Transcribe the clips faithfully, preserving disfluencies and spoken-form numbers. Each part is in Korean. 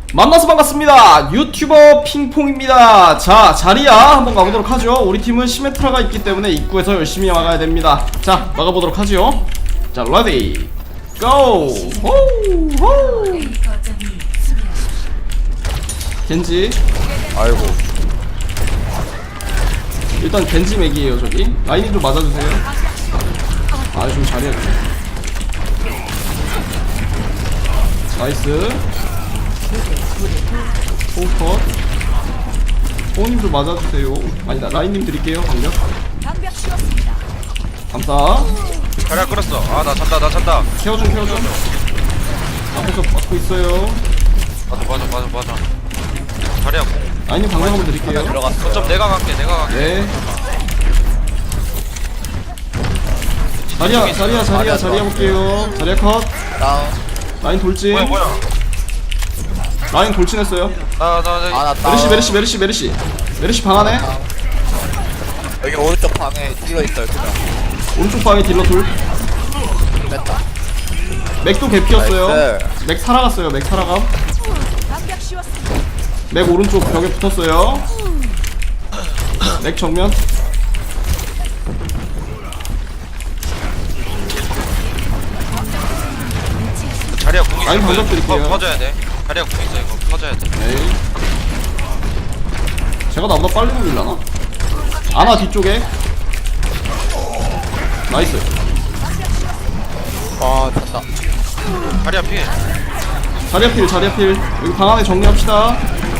만나서 반갑습니다. 유튜버 핑퐁입니다. 자, 자리야 한번 가보도록 하죠. 우리 팀은 시메트라가 있기 때문에 입구에서 열심히 막아야 됩니다. 자, 막아보도록 하죠. 자, 레디 고! 호우 호우. 겐지. 아이고. 일단 겐지 맥이에요. 저기 라인이 좀 맞아주세요. 아, 좀 잘해야 돼. 나이스. 포컷. 호우님 좀 맞아주세요. 아니다, 라인님 드릴게요. 방벽. 감사. 자리야 끌었어. 아 나 잔다 나 잔다. 케어 좀 케어 좀. 앞에서 막고 있어요. 맞아 맞아 맞아 맞아. 자리야 공. 라인님 방벽 한번 드릴게요. 들어갔어. 거점 내가 갈게 내가 갈게. 네. 자리야 자리야 자리야 자리야 볼게요. 자리야 컷. 다운. 라인 돌진. 뭐야 뭐야. 라인 돌진했어요. 나나 아, 나 메르시 다운. 메르시 메르시 메르시 메르시 방 안에. 여기 오른쪽 방에 찔러 있어요. 그냥 오른쪽 방에 딜러 둘. 뺐다. 맥도 개피였어요. 나이스. 맥 살아갔어요. 맥 살아감. 맥 오른쪽 벽에 붙었어요. 맥 정면. 자리야 공 있어. 라인 방벽 드릴게요. 퍼, 퍼져야 돼. 자리야 공 있어 이거 퍼져야 돼. 에이. 제가 나보다 빨리 돌리려나? 아나 뒤쪽에. 나이스. 아, 됐다. 자리야 피해. 자리야 필 자리야 필. 여기 방 안에 정리합시다.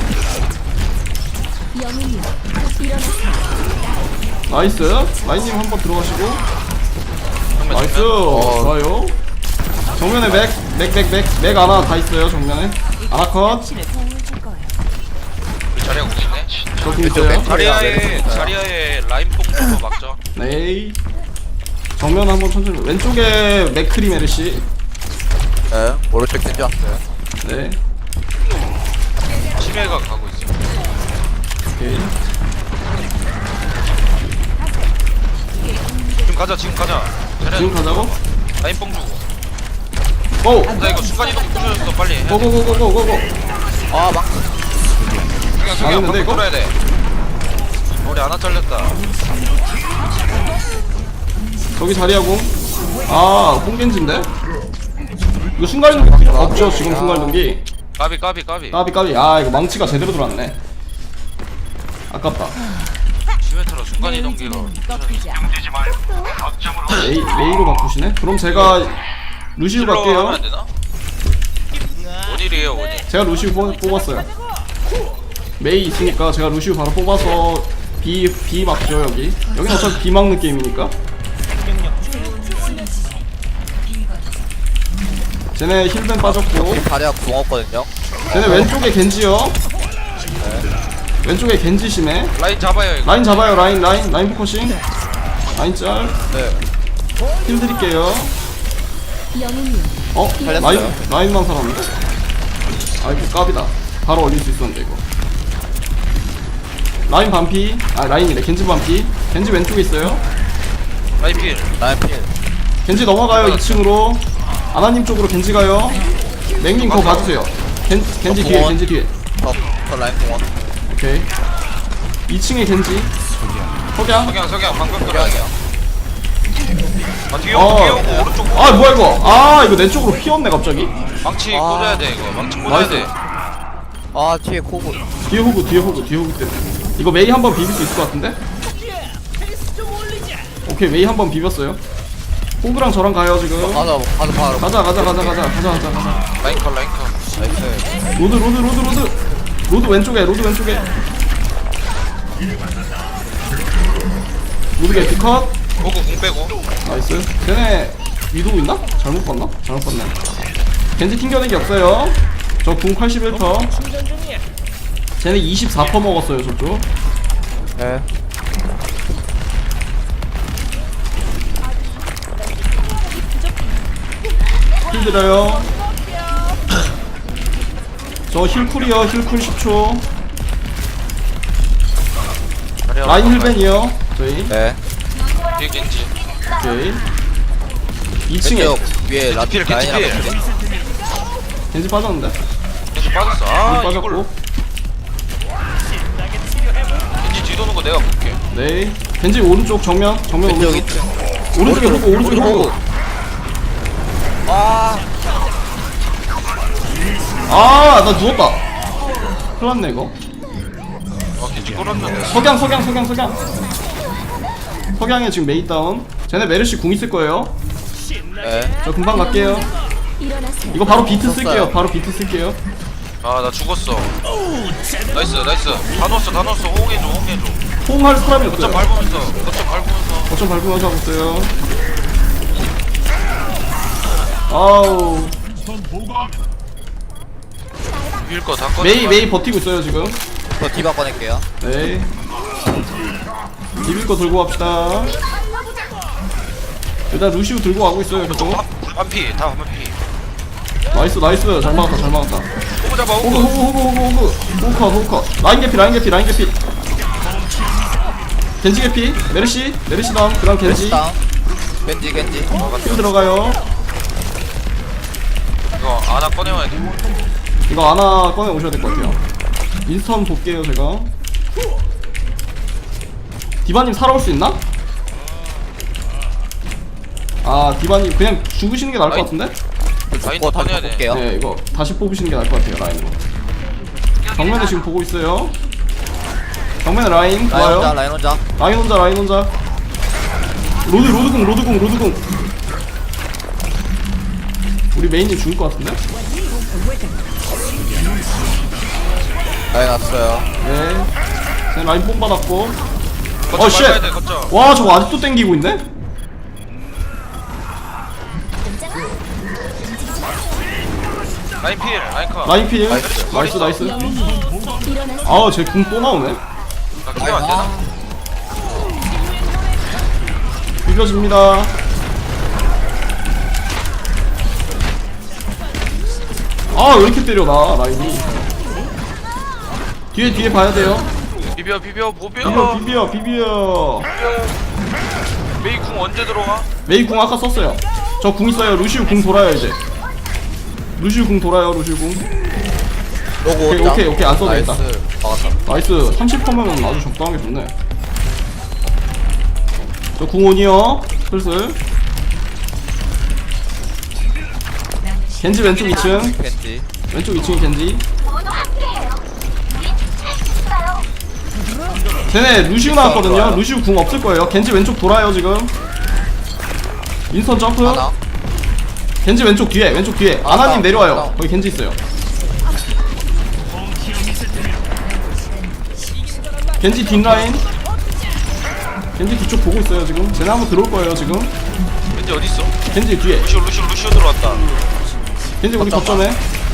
나이스. 라인님 한번 들어가시고. 나이스. 좋아요. 정면에 맥, 맥, 맥, 맥, 맥 아나 다 있어요. 정면에 아나 컷. 자리야 공 있네. 저기 있어요. 자리야에 자리야에 라인 뽕으로 막죠. 네. 정면 한번 천천히. 왼쪽에 맥크리 메르시. 네, 오른쪽 겐지 왔어요. 네. 심해가 가고 있어. 오케이. 지금 가자 지금 가자. 자리야 지금 가자고. 라인 뽕 주고. 고. 나 이거 순간 이동 부셔줬어 빨리. 해. 고고고고고고고. 아, 막. 그냥 그냥 망했는데, 방금 이거? 돌아야 돼. 우리 하나 잘렸다. 저기 자리하고. 아, 뽕겐지인데? 이거 순간이동기 없죠, 지금 순간이동기. 까비 까비 까비. 까비 까비. 아, 이거 망치가 제대로 들어왔네. 아깝다. 시메트로 순간 이동기가. 레이, 레이로 바꾸시네? 그럼 제가 루시우 하면 갈게요. 안 되나? 원일이에요 원일. 제가 루시우 뽑, 뽑았어요. 메이 있으니까 제가 루시우 바로 뽑아서 B, B 막죠, 여기. 여긴 어차피 B 막는 게임이니까. 쟤네 힐벤 빠졌고. 자리야 궁 없거든요. 쟤네 왼쪽에 겐지요. 왼쪽에 겐지 심해. 라인 잡아요 이거. 라인 잡아요. 라인 라인 라인 포커싱. 라인 짤. 네. 힐 드릴게요. 어? 살렸어요. 라인 라인만 살았는데? 아 이거 깝이다. 바로 올릴 수 있었는데 이거. 라인 반피. 아 라인이래. 겐지 반피. 겐지 왼쪽에 있어요. 라인 필. 라인 필. 겐지 넘어가요. 이 층으로. 아나님 쪽으로 겐지 가요. 맥님 그거 봐주세요. 겐, 겐지 뒤에 겐지 뒤에. 더, 더 라인 공원. 오케이. 이 층에 겐지. 석양. 석양 석양 방금 들어가요. 아 뒤에 어. 오고 뒤에 오고 오른쪽. 아 뭐야 이거. 아 이거 내 쪽으로 휘었네 갑자기. 망치 아. 꽂아야 돼 이거. 망치 꽂아야 나이스. 돼. 아, 뒤에 코고. 뒤에 호구 뒤에 호구 뒤에 호구 때문에. 이거 메이 한번 비빌 수 있을 것 같은데? 오케이 메이 한번 비볐어요. 호구랑 저랑 가요 지금. 가자, 가자, 바로. 가자 가자 가자 가자 가자 가자 가자. 라인 컷 라인 컷. 나이스. 로드 로드 로드 로드. 로드 왼쪽에 로드 왼쪽에. 로드 개피 컷. 오고 공 빼고. 나이스. 쟤네 위도우 있나? 잘못 봤나? 잘못 봤네. 겐지 튕겨내기 없어요. 저 궁 팔십일 퍼. 쟤네 이십사 퍼 먹었어요 저쪽. 네. 힐 드려요. 저 힐쿨이요. 힐쿨 십 초. 라인 힐벤이요. 저희. 네. 뒤에 겐지. 오케이. 이 층에 왼쪽 위에 라, 겐지 필 겐지 라인이랑 필. 같이. 겐지 빠졌는데? 겐지 빠졌어. 아 빠졌고. 이걸 겐지 뒤도는 거 내가 볼게. 네. 겐지 오른쪽 정면 정면 왼쪽 오른쪽. 있죠. 오른쪽에 호구 오른쪽에 호구. 아, 아, 나 누웠다. 큰일 났네 이거. 아 겐지 끌었는데. 석양 석양 석양 석양. 석양에 지금 메이 다운. 쟤네 메르시 궁 있을 거예요. 네. 저 금방 갈게요. 이거 바로 비트 쓸게요. 바로 비트 쓸게요. 아 나 죽었어. 나이스 나이스. 다 넣었어 다 넣었어. 호응해줘 호응해줘. 호응할 사람이 거점 없어요. 밟으면서 거점 밟으면서. 거점 밟으면서 하고 있어요. 아우. 비빌 거다 꺼내. 메이 메이 버티고 있어요 지금. 저 디바 꺼낼게요. 네. 비빌 거 들고 갑시다. 일단 루시우 들고 가고 있어요 계속. 한피 다 한피. 나이스 나이스 잘 막았다 잘 막았다. 호구 잡아 호그 호구. 호그 호그 호그 호그 호커 호커 라인 개피 라인 개피 라인 개피. 겐지 개피 메르시 메르시 다음 그다음 겐지 다운. 겐지 겐지. 힐 들어가요. 이거 하나 꺼내와야 돼. 이거 하나 꺼내 오셔야 될 것 같아요. 인스턴 볼게요 제가. 디바님 살아올 수 있나? 아 디바님 그냥 죽으시는 게 나을 것 같은데? 라인 어, 다시 꺼내야 돼. 볼게요. 네 이거 다시 뽑으시는 게 나을 것 같아요 라인으로. 정면에 지금 보고 있어요. 정면에 라인 라인 혼자 좋아요. 라인 혼자. 라인 혼자 라인 혼자. 로드 로드궁 로드궁 로드궁. 우리 메인님 죽을 것 같은데? 라인 왔어요. 네. 제 라인 뽕 받았고. 거점 어, 쉣! 밟아야 돼 거점. 와 저거 아직도 땡기고 있네? 라인 필 라인 컷. 라인 필. 나이스. 나이스 나이스. 아우 쟤 궁 또 나오네. 나 키면 안 되나? 비벼집니다. 아 왜 이렇게 때려 나 라인이. 뒤에 뒤에 봐야 돼요. 비벼 비벼 보벼. 비벼 비벼 비벼. 메이 궁 언제 들어와? 메이 궁 아까 썼어요. 저 궁 있어요. 루시우 궁 돌아요 이제. 루시우 궁 돌아요 루시우 궁. 로고 오케이, 혼자. 오케이, 오케이, 안 써도 나이스. 되겠다. 막았다. 나이스. 삼십 퍼센트면 아주 적당하게 좋네. 저 궁온이요. 슬슬. 겐지 왼쪽 이 층. 겐지. 왼쪽 이 층이 겐지. 쟤네 루시우 나왔거든요. 루시우 궁 없을 거예요. 겐지 왼쪽 돌아요 지금. 인스턴 점프. 하나. 겐지 왼쪽 뒤에 왼쪽 뒤에. 아, 아나님 아, 내려와요. 아. 거기 겐지 있어요. 겐지 뒷라인. 겐지 뒤쪽 보고 있어요 지금. 쟤네 한번 들어올 거예요 지금. 겐지 어디 있어? 겐지 뒤에. 루시오 루시오 루시오 들어왔다. 겐지 우리 거점에.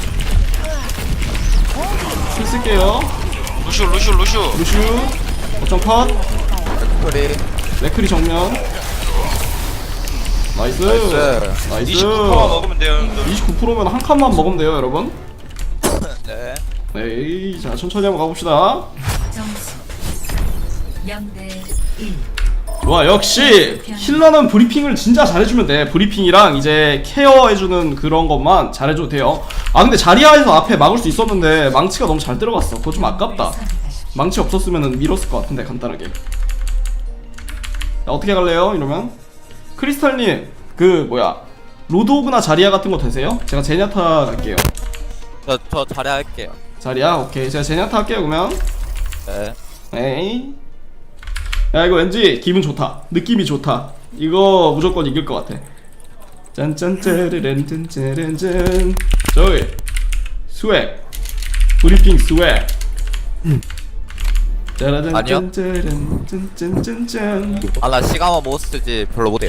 힐 쓸게요. 루시오 루시오 루시오. 루슈. 거점 컷. 소리. 레크리 정면. 나이스. 나이스. 나이스. 이십구 퍼센트 먹으면 돼요 형들. 이십구 퍼센트면 한 칸만 먹으면 돼요 여러분. 네. 네, 자 천천히 한번 가봅시다. 점수 영 대 일. 와 역시 힐러는 브리핑을 진짜 잘해주면 돼. 브리핑이랑 이제 케어해주는 그런 것만 잘해줘도 돼요. 아 근데 자리아에서 앞에 막을 수 있었는데 망치가 너무 잘 들어갔어. 그거 좀 아깝다. 망치 없었으면 밀었을 것 같은데 간단하게. 자, 어떻게 갈래요 이러면? 크리스탈님 그 뭐야 로드 오그나 자리아 같은 거 되세요? 제가 제냐타 갈게요. 저, 저 잘해 할게요. 자리아 오케이 제가 제냐타 할게요 그러면. 네. 에이. 야 이거 왠지 기분 좋다. 느낌이 좋다. 이거 무조건 이길 것 같아. 짠짠짜르렌 짠짜렌짠. 저기 스웩 브리핑 스웩. 짜라잔 아니요. 짠짜란 짠짠짠짠. 아, 나 시가마 못 쓰지 별로 못해요.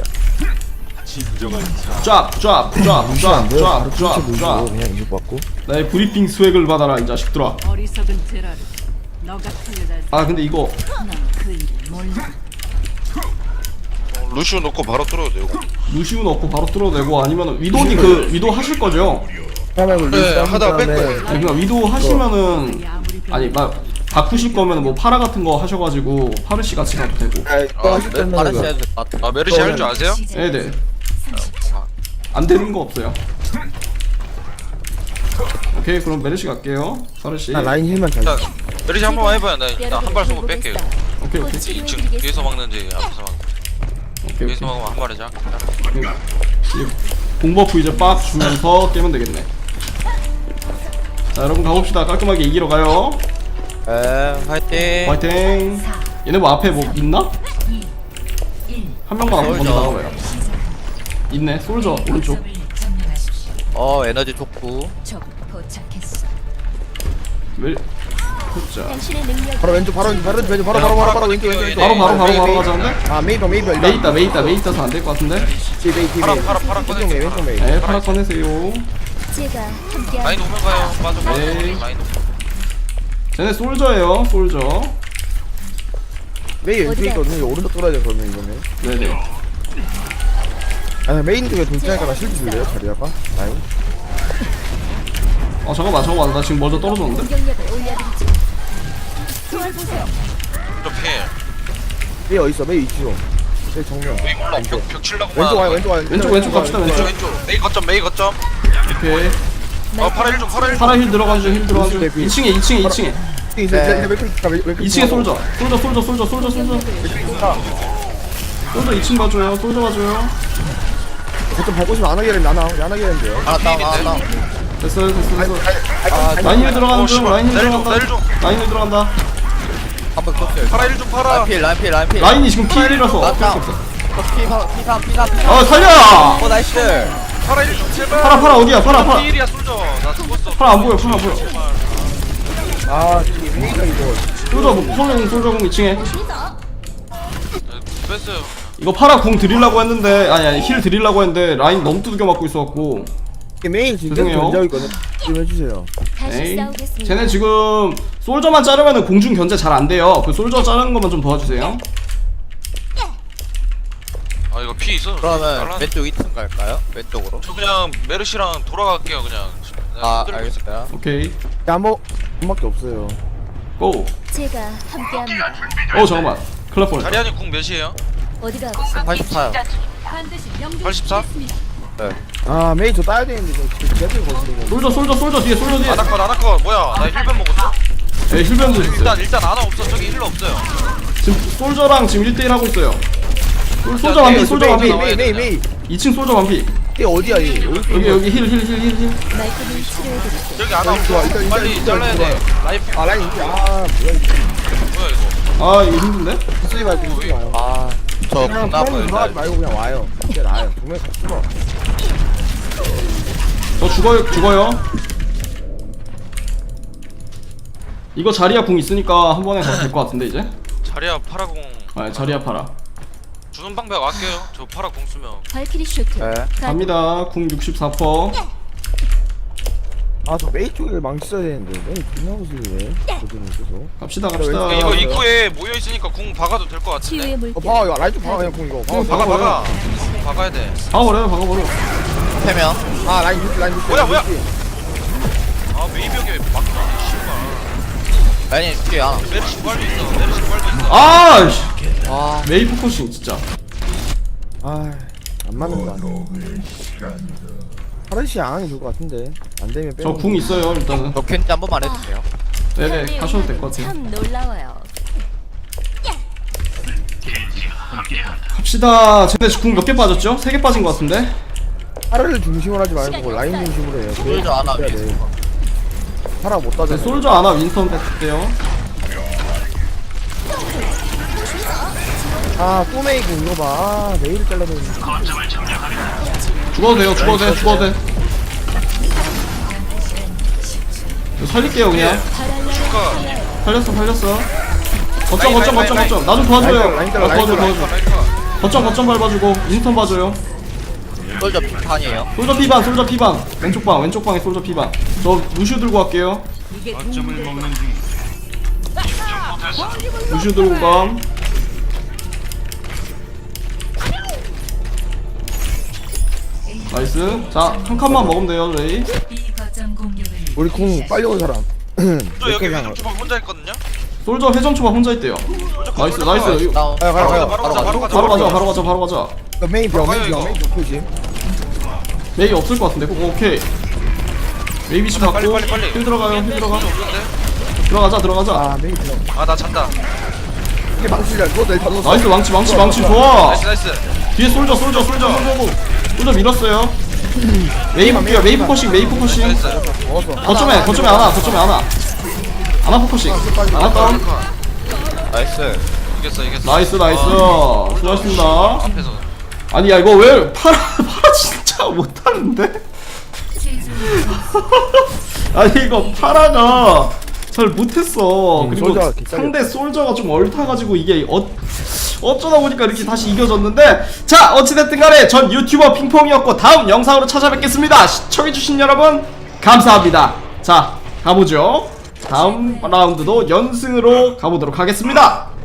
쫙쫙쫙쫙쫙쫙. 그냥 이거 받고 나의 브리핑 스웩을 받아라 이 자식들아. 어리석은 테라를 너 같은 여자 아 근데 이거 난그 일을 몰라. 루시오 넣고 바로 뚫어도 되고. 루시우 넣고 바로 뚫어내고 아니면 위도님 그 위도 하실 거죠? 하나 굴리 네, 하다가 뺄 거예요. 아니 그니까 위도 하시면은 아니 막 바꾸실 거면 뭐 파라 같은 거 하셔가지고 파르시 같이 가도 되고. 또 하실 네, 거면 파르시 해도 될 것 같아. 아 메르시 할 줄 아세요? 네네. 안 되는 거 없어요. 오케이 그럼 메르시 갈게요. 사르시. 나 라인 힐만 잘. 자 메리시 한 번만 해봐요. 나 일단 한 발 쏘고 뺄게요. 오케이 오케이 이 층 뒤에서 막는지 앞에서 막 오케이 뒤에서 오케이. 막으면 한 발이자. 공버프 이제 빡 주면서 깨면 되겠네. 자 여러분 가봅시다. 깔끔하게 이기러 가요. 에 화이팅. 화이팅. 얘네 뭐 앞에 뭐 있나? 한 명만 앞에 먼저 나와봐요. 있네. 솔저 오른쪽. 어 에너지 좋고. 적 도착했어. 멜. 자 바로 왼쪽 바로 왼쪽 바로 왼쪽 바로 바로 바로 바로 왼쪽 왼쪽 왼쪽. 바로 바로 바로 바로 메이, 가자는데? 아 메이더 메이더 메이 있다 메이 있다 메이 있다서 안 될 것 같은데? 티 메이 티 파라 메이. 파라 파라 왼쪽 메이 왼쪽 메이. 네 파라 꺼내세요. 제가 함께 라인 오면 가요. 빠져 빠져. 네. 라인 오면. 쟤네 솔저예요 솔저. 메이 왼쪽에 있거든요. 이거 오른쪽 돌아야 돼 그러면 이거는. 네네. 아 메인 쪽에 돌진하니까 나 실드 줄래요 자리아가? 라인. 어 잠깐만 잠깐만 나 지금 먼저 떨어졌는데? 공격력을 올려드리죠. 도와주세요. 저 필. 메이 어디 있어? 메이 있죠. 메이 정면. 메이 몰라. 벽, 벽 칠라고. 왼쪽 와요 왼쪽 와요. 왼쪽 왼쪽 갑시다 왼쪽 왼쪽. 왼쪽. 메이 거점 메이 거점. 오케이. 어 파라 일 좀 파라 일 좀. 파라 힐 들어가죠 힐 들어가죠. 왼쪽 대피. 이 층에 이 층에 이 층에. 이제 이제 왼쪽 이 층에 솔저. 솔저 솔저 솔저 솔저 솔저. 솔저 이 층 봐줘요. 솔저 봐줘요. 보통 밟고 싶으면 안 하게 되는데 안 하게 안 하게 되는데요. 하나 다운 하나 다운. 됐어요 됐어 됐어. 아 라인 힐 들어가는 어, 중 씨발. 라인 힐 내일 좀, 들어간다. 내일 좀. 라인 힐 들어간다. 한번 떴어요. 파라 일 좀 파라. 라인 필 라인 필 라인 필. 라인이 지금 피 일이라서 나 어쩔 수 다운. 없어. 피삼 피삼 피삼 피삼. 어 살려! 어 나이스. 파라 일 좀 제발. 파라 파라 어디야 파라 파라. 필이야 솔져. 나 죽었어. 파라 안 보여 파라 안 보여. 아 이게 메이가 이거. 솔저 뭐 솔저 솔저 공 이 층에. 뺐어요. 이거 파라 궁 드리려고 했는데 아니 아니 힐 드리려고 했는데 라인 너무 두들겨 맞고 있어갖고. 이게 메인 지금 죄송해요. 견제하고 있거든. 좀 해주세요. 다시 에이. 싸우겠습니다. 쟤네 지금 솔저만 자르면은 공중 견제 잘 안 돼요. 그 솔저 자르는 것만 좀 도와주세요. 아 이거 피 있어. 그러면 잘라. 왼쪽 이 층 갈까요? 왼쪽으로. 저 그냥 메르시랑 돌아갈게요 그냥. 아 흔들리고 알겠어요. 오케이 야뭐 한밖에 없어요. 고. 제가 함께합니다. 어 잠깐만. 큰일 날 뻔했다. 자리아님 궁 몇이에요? 어디가 아프세요? 팔십사요. 반드시 명중 팔십사? 네. 아 메이 저 따야 되는데 저 제대로 걸리고. 솔저 솔저 솔저 뒤에 솔저 뒤에. 아나컷 아나컷 뭐야 나 힐벤 먹었어. 네 힐변 드셨어요. 일단 일단 아나 없어. 저기 힐러 없어요. 지금 솔저랑 지금 일 대 일 하고 있어요. 솔- 솔저 메이, 반피 솔저 메이 반피. 메이 메이 메이. 이 층 솔저 반피. 이게 어디야 이? 여기 여기 힐 힐 힐 힐 힐. 말끔히 치료해드릴게요. 여기 아나 좋아, 없어. 일단, 일단, 빨리 일단 잘라야 좋아. 돼. 라인 피 아 라인 이게 아 뭐야 이거. 뭐야 이거. 아 이거 힘든데? 쓰지 말고 쓰지 마요. 아저 그냥 군나무 펌 들어가지 일단. 말고 그냥 와요. 이게 나아요. 정말 같이 죽어. 저 죽어요 죽어요. 이거 자리야 궁 있으니까 한 번에 가도 될 것 같은데 이제. 자리아 파라공 아 자리야 파라. 주는 방법 아껴요. 저 파라 공 쓰면. 발키리 슈트. 네. 갑니다. 궁 육십사 퍼센트. 아저 메이 쪽에 망치 써야 되는데 메이 존나 무슬리네. 저들은 계속. 갑시다 갑시다. 이거 아, 입구에 모여 있으니까 궁 박아도 될 것 같은데. 치유의 어 물결. 봐봐 이거 라인 좀 봐봐 그냥 공 이거. 공 봐봐. 박아 박아버려. 박아. 궁 박아야 돼. 박아버려요 박아버려. 세 명. 아 라인 밑 라인 밑. 뭐야, 뭐야? 아 메이벽에 막히네. 씨발. 라인 뒤에 하나. 메르시 부활도 있어. 메르시 부활도 있어. 아씨. 아 메이 포커싱 진짜. 아안 맞는다. 파르시 안 하는 게 좋을 것 같은데 안 되면 빼. 저 궁 있어요 일단은. 저 캔지 한 번만 해주세요. 네네 하셔도 될 것 같아요. 참 놀라워요. 갑시다. 쟤네 궁 몇 개 빠졌죠? 세 개 빠진 것 같은데. 파르를 중심으로 하지 말고 라인 중심으로 해요. 솔저 안 하게. 해야 돼. 파라 못 네, 따져. 솔저 아나 윈스턴 뺐대요. 아 꼬메이고 이거 봐. 아, 메이를 잘라야 되는데. 죽어도 돼요 죽어도 돼 죽어도 돼. 이거 살릴게요 그냥. 그러니까 살렸어 살렸어. 거점 거점 거점 거점. 나 좀 도와줘요. 라인 나 잘라, 라인 도와줘 잘라. 도와줘. 라이카. 거점 거점 밟아주고 윈스턴 봐줘요. 솔저 빈판이에요. 솔저 피반 솔저 피반. 왼쪽 방 왼쪽 방에 솔저 피반. 저 루슈 들고 갈게요. 루슈 들고 감. 나이스. 자 한 칸만 먹으면 돼요 레이. 이 거점 공격을 우리 공 빨리 온 사람. 저 여기 왼쪽 주방 혼자 있거든요. 솔저 회전 초밥 혼자 있대요. 나이스 나이스. 이거 다운. 가요 가요 가요. 바로 가자 바로 가자. 바로 가자 바로 가자 바로 가자. 메인 벽 가요, 메인 벽 이거. 메인 벽 표지. 메이 없을 것 같은데. 오, 오케이. 웨이비치 빨리, 받고 빨리, 빨리. 힐 들어가요 힐 들어가 없는데? 들어가자 들어가자 아 메인 들어 아 나 잔다. 이게 망치야 그거 내가 잡았어 나이스 망치 망치 망치 좋아 나이스 나이스. 뒤에 솔져 솔져 솔져 솔져 솔져 밀었어요 웨이브 뛰어 웨이브 포싱 웨이브 포싱 나이스. 먹었어 거점에 거점에 안와 거점에 안와 안와 포커싱 안와 다운 나이스. 이겼어 이겼어. 나이스 나이스 아, 수고하셨습니다 앞에서. 아니 야 이거 왜 파라 파라 진짜 못하는데 최종 아니 이거 파라가 잘 못했어 음, 그리고 솔저가 개짱이었어. 상대 솔저가 좀 얽혀가지고 이게 어, 어쩌다 보니까 이렇게 다시 이겨졌는데 자 어찌됐든 간에 전 유튜버 핑퐁이었고 다음 영상으로 찾아뵙겠습니다 시청해주신 여러분 감사합니다 자 가보죠 다음 라운드도 연승으로 가보도록 하겠습니다